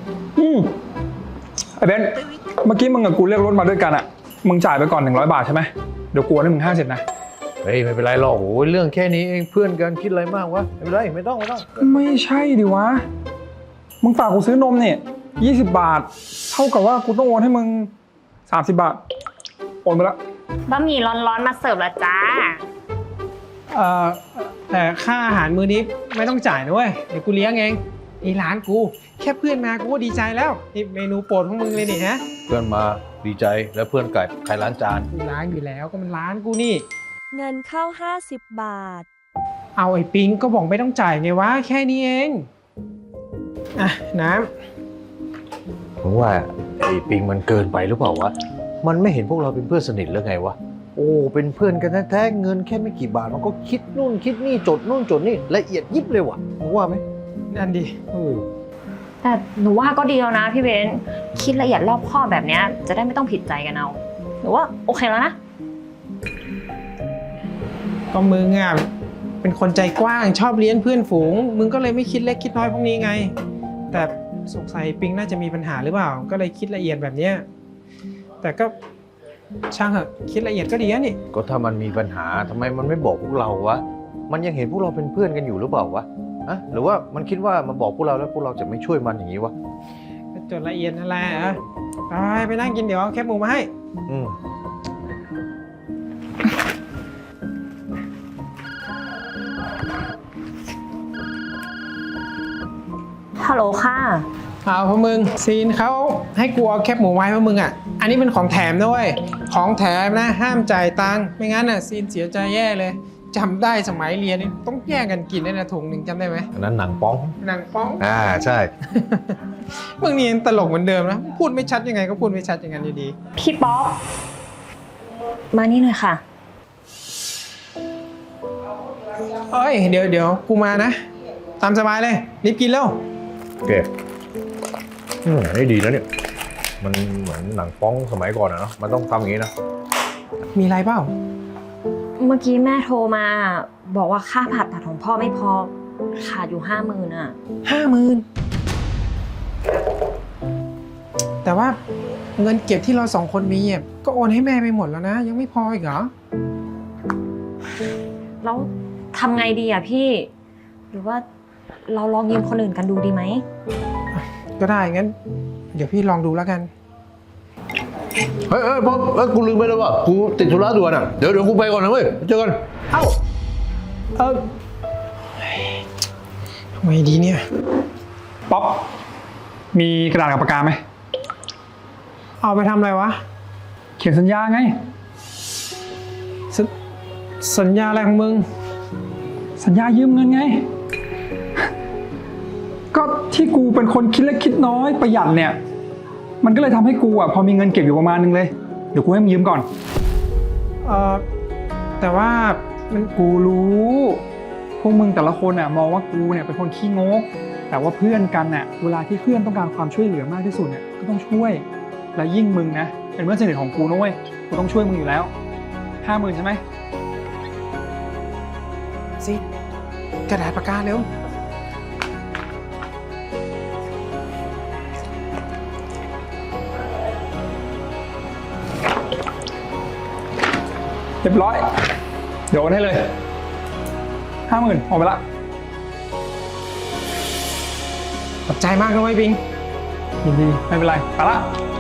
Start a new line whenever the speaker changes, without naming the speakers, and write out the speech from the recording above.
ไอ้เบนเมื่อกี้มึงกับกูเรียกรถมาด้วยกันอ่ะมึงจ่ายไปก่อน100 บาทใช่ไหมเดี๋ยวกูให้มึง50นะ
เฮ้ยไม่เป็นไรหรอกโอ้ยเรื่องแค่นี้เองเพื่อนกันคิดอะไรมากวะไม่เป็นไรไม่ต้อง
ไม่ใช่ดิวะมึงฝากกูซื้อนมเนี่ย20 บาทเท่ากับว่ากูต้องโอนให้มึง30 บาทโอนไปแล้ว
บะหมี่ร้อนๆมาเสิร์ฟแล้วจ้า
แต่ค่าอาหารมื้อนี้ไม่ต้องจ่ายนะเว้ยเดี๋ยวกูเลี้ยงเองนี่ร้านกูแค่เพื่อนมากูก็ดีใจแล้วนี่เมนูโปรดของมึงเลยนี่ฮะ
เพื่อนมาดีใจแล้วเพื่อนไก่ใครล้างจาน
กูล้างอยู่แล้วก็มันร้านกูนี่
เงินเข้า50 บาท
เอาไอ้ปิงก็บอกไม่ต้องจ่ายไงวะแค่นี้เองอ่ะน้
ำผมว่าไอ้ปิงมันเกินไปหรือเปล่าวะมันไม่เห็นพวกเราเป็นเพื่อนสนิทหรือไงวะโอ้เป็นเพื่อนกันแท้ๆเงินแค่ไม่กี่บาทมันก็คิดนู่นคิดนี่จดนู่นจดนี่ละเอียดยิบเลยวะมึงว่าไหม
นั่นดิ
แต่หนูว่าก็ดีแล้วนะพี่เบนคิดละเอียดรอบคอบแบบนี้จะได้ไม่ต้องผิดใจกันเอาหนูว่าโอเคแล้วนะ
ก็มึงอ่ะเป็นคนใจกว้างชอบเลี้ยงเพื่อนฝูงมึงก็เลยไม่คิดเล็กคิดน้อยพวกนี้ไงแต่สงสัยปิงน่าจะมีปัญหาหรือเปล่าก็เลยคิดละเอียดแบบเนี้ยแต่ก็ช่างเหอะคิดละเอียดก็ดีนี่
ก็ถ้ามันมีปัญหาทำไมมันไม่บอกพวกเราวะมันยังเห็นพวกเราเป็นเพื่อนกันอยู่หรือเปล่าวะอะหรือว่ามันคิดว่ามาบอกพวกเราแล้วพวกเราจะไม่ช่วยมันอย่างนี้วะ
จดละเอียดนั่นแหละไปนั่งกินเดี๋ยวเอาแคบหมูมาให้
ฮัลโหลค่ะ
เอาพวกมึงซีนเขาให้กูเอาแคบหมูไว้พวกมึงอ่ะอันนี้เป็นของแถมนะเว้ยของแถมนะห้ามจ่ายตังค์ไม่งั้นอ่ะซีนเสียใจแย่เลยจำได้สมัยเรียนนี่ต้องแย่งกันกินได้นะถุงหนึ่งจำได้ไหม
อันนั้นหนังป้องใช่
มึงนี่ยังตลกเหมือนเดิมนะพูดไม่ชัดยังไงก็พูดไม่ชัดอย่างนั้นอยู่ดี
พี่ป๊อปมานี่หน่อยค่ะ
เอ้ยเดี๋ยวกูมานะตามสบายเลยรีบกินแล้ว
โอเคนี่ดีนะเนี่ยมันเหมือนหนังป้องสมัยก่อนนะเนาะมันต้องทำอย่างนี้นะ
มีอะไรเปล่า
เมื่อกี้แม่โทรมาบอกว่าค่าผ่าตัดของพ่อไม่พอขาดอยู่50,000อ่ะ
50,000แต่ว่าเงินเก็บที่เรา2 คนมีก็โอนให้แม่ไปหมดแล้วนะยังไม่พออีกเหรอ
แล้วทำไงดีอ่ะพี่หรือว่าเราลองยืมคนอื่นกันดูดีไหม
ก็ได้งั้นเดี๋ยวพี่ลองดูแล้วกัน
เฮ้ยพ่อกูลืมไปแล้วว่ากูติดธุระด่วนอ่ะเดี๋ยวกูไปก่อนนะเว้ยเจอกัน
ทำไมดีเนี่ย
ป๊อปมีกระดาษกับปากกาไหม
เอาไปทำอะไรวะ
เขียนสัญญาไง
สัญญาอะไรของมึง
สัญญายืมเงินไงก็ที่กูเป็นคนคิดเล็กคิดน้อยประหยัดเนี่ยมันก็เลยทำให้กูอ่ะพอมีเงินเก็บอยู่ประมาณนึงเลยเดี๋ยวกูให้มึงยืมก่อน
แต่ว่า
กูรู้พวกมึงแต่ละคนอ่ะมองว่ากูเนี่ยเป็นคนขี้งกแต่ว่าเพื่อนกันอ่ะเวลาที่เพื่อนต้องการความช่วยเหลือมากที่สุดเนี่ยก็ต้องช่วยและยิ่งมึงนะเป็นเพื่อนสนิทของกูนะเว้ยกูต้องช่วยมึงอยู่แล้ว50,000ใช่ไหม
สิกระดาษปากกาเร็ว
เรียบร้อยเดี๋ยวโอนให้เลย50,000ออกไปละ
ขอบใจมากนะเว้ยปิง
ยินดีไม่เป็นไรไปละ